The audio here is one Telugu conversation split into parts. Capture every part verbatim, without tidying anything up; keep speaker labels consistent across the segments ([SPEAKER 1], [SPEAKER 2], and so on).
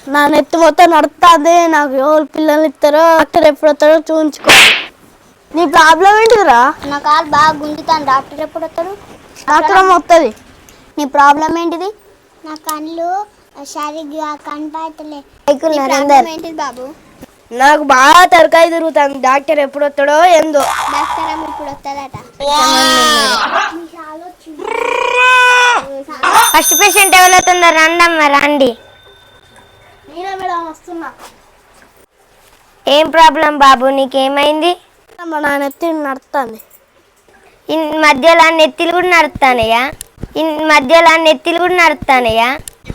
[SPEAKER 1] నా నెత్తి మొత్తం నడుస్తుంది. నాకు ఎవరు పిల్లలు ఇస్తారో డాక్టర్ ఎప్పుడు వస్తారో చూపించుకోవాలి. నీ ప్రాబ్లం ఏంటిదిరా?
[SPEAKER 2] నా కాలు బాగా గుంజుతాను. డాక్టర్ ఎప్పుడు వస్తాడు?
[SPEAKER 1] డాక్టర్ అమ్మ వస్తుంది.
[SPEAKER 2] నీ ప్రాబ్లం ఏంటిది? నా కళ్ళు సరిగ్గా కనపడతలే. ఏంటిది బాబు?
[SPEAKER 1] నాకు బాగా తరకాయ తిరుగుతుంది. డాక్టర్ ఎప్పుడు వస్తాడో ఏందో.
[SPEAKER 2] డాక్టర్ అమ్మ ఇప్పుడు వస్తుందట.
[SPEAKER 3] ఫస్ట్ పేషెంట్ ఎవరు అవుతుందో రండమ్మ రండి.
[SPEAKER 1] నేనే మేడం వస్తున్నా.
[SPEAKER 3] ఏం ప్రాబ్లం బాబు, నీకేమైంది?
[SPEAKER 1] నా నెత్తి నడుస్తుంది.
[SPEAKER 3] ఈ మధ్యలో నెత్తిలు కూడా నడుస్తానయ్యా. ఈ మధ్యలో నెత్తిలు కూడా నడుస్తానయ్యా.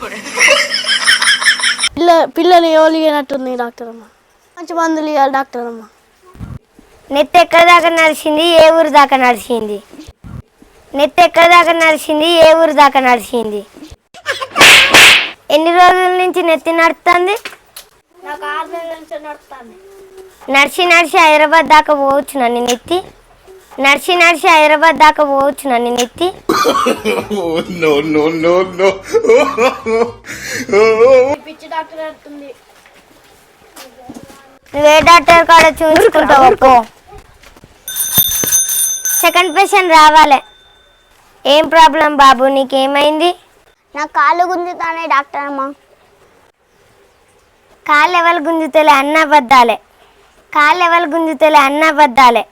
[SPEAKER 1] పిల్ల పిల్లలు ఎవరు ఇవ్వనట్టుంది డాక్టర్ అమ్మ. మంచి మందులు ఇవ్వాలి డాక్టర్ అమ్మ.
[SPEAKER 3] నెత్తి ఎక్కడ దాకా నడిచింది? ఏ ఊరు దాకా నడిచింది? నెత్తి ఎక్కడ దాకా నడిచింది? ఏ ఊరు దాకా నడిచింది? ఎన్ని రోజుల నుంచి నెత్తి నడుస్తుంది?
[SPEAKER 1] నాకు ఆరు నెలల నుంచి నడుస్తుంది.
[SPEAKER 3] నడిచి నడిచి హైదరాబాద్ దాకా పోవచ్చు నన్ను నెత్తి. నడిచి నడిచి హైదరాబాద్ దాకా పోవచ్చు నన్ను నెత్తి.
[SPEAKER 1] పిచ్చి డాక్టర్ అవుతుంది.
[SPEAKER 3] నువ్వే డాక్టర్ కాడ చూసుకుంటావు. సెకండ్ పేషెంట్ రావాలి. ఏం ప్రాబ్లం బాబు, నీకేమైంది?
[SPEAKER 2] నా కాళ్ళు గుంజుతానే డాక్టర్ అమ్మ.
[SPEAKER 3] కాళ్ళు ఎవరు గుంజుతలే అన్న బద్దాలే. కాళ్ళు ఎవరు గుంజుతలే అన్న బద్దాలే.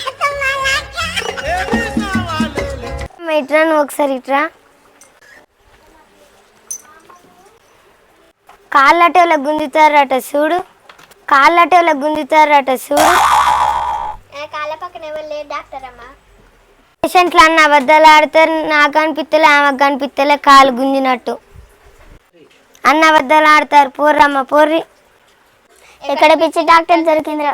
[SPEAKER 3] ఇట్రా, నువ్వు ఒకసారి ఇట్రా. కాళ్ళట వాళ్ళ గుంజుతారట చూడు. కాళ్ళట వాళ్ళ గుంజుతారట చూడు.
[SPEAKER 2] కాళ్ళ పక్కన ఎవరు లేరు డాక్టర్ అమ్మ.
[SPEAKER 3] పేషెంట్లు అన్న అబద్ధాలు ఆడతారు. నాకు అనిపిస్తలే, ఆమెకు కనిపిస్తలే కాలు గుంజినట్టు. అన్న అబద్ధాలు ఆడతారు. పోర్రమ్మ పోర్రి.
[SPEAKER 2] ఎక్కడ పిచ్చి డాక్టర్ దొరికింది?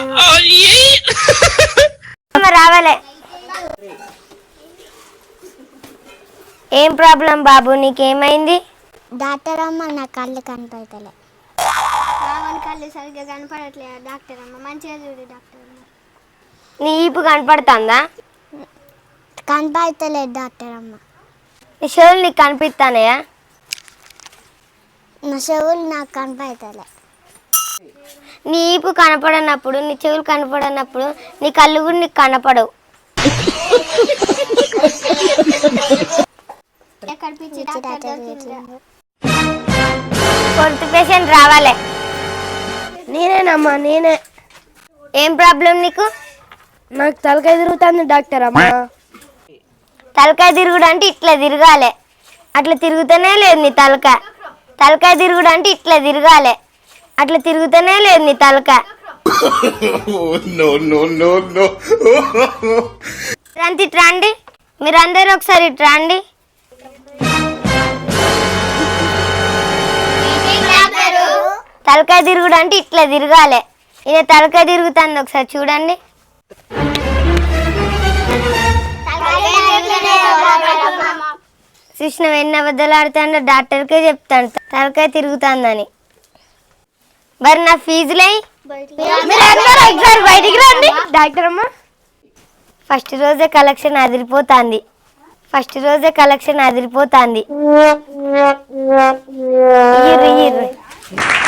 [SPEAKER 3] రావాలే. ఏం ప్రాబ్లం బాబు, నీకేమైంది?
[SPEAKER 2] డాక్టర్ అమ్మ నా కళ్ళు కనపడతలే. కళ్ళు సరిగ్గా కనపడట్లేదు డాక్టర్ అమ్మ. మంచిగా చూడు డాక్టర్ అమ్మ.
[SPEAKER 3] నీ ఈపు కనపడుతుందా?
[SPEAKER 2] కనపడతలేదు డాక్టర్ అమ్మ.
[SPEAKER 3] నీ చెవులు నీకు కనిపిస్తానయా?
[SPEAKER 2] నా చెవులు నాకు కనపడతలే.
[SPEAKER 3] నీ ఈపు కనపడనప్పుడు, నీ చెవులు కనపడనప్పుడు నీ కళ్ళు కూడా నీకు కనపడవు. ఫోర్త్ పేషెంట్ రావాలి.
[SPEAKER 1] నేనేనమ్మా నేనే.
[SPEAKER 3] ఏం ప్రాబ్లం నీకు?
[SPEAKER 1] నాకు తలకాయ తిరుగుతుంది డాక్టర్ అమ్మ.
[SPEAKER 3] తలకాయ తిరుగుడు అంటే ఇట్లా తిరగాలి. అట్లా తిరుగుతూనే లేదు నీ తలకాయ. తలకాయ తిరుగుడు అంటే ఇట్లా తిరగాలి. అట్లా తిరుగుతూనే లేదు నీ తలకాయ. అంత ఇట్రా అండి. మీరందరూ ఒకసారి ఇట్రా అండి. తలకాయ తిరుగుడు అంటే ఇట్లా తిరగాలి. ఇది తలకాయ తిరుగుతుంది, ఒకసారి చూడండి. కృష్ణ ఎన్ని అబద్ధాలు ఆడుతాడో డాక్టర్కే చెప్తాను తలకాయ తిరుగుతుందని. మరి నా ఫీజులై
[SPEAKER 1] బయటికి రండి డాక్టర్ అమ్మ.
[SPEAKER 3] ఫస్ట్ రోజే కలెక్షన్ అదిరిపోతుంది. ఫస్ట్ రోజే కలెక్షన్ అదిరిపోతుంది.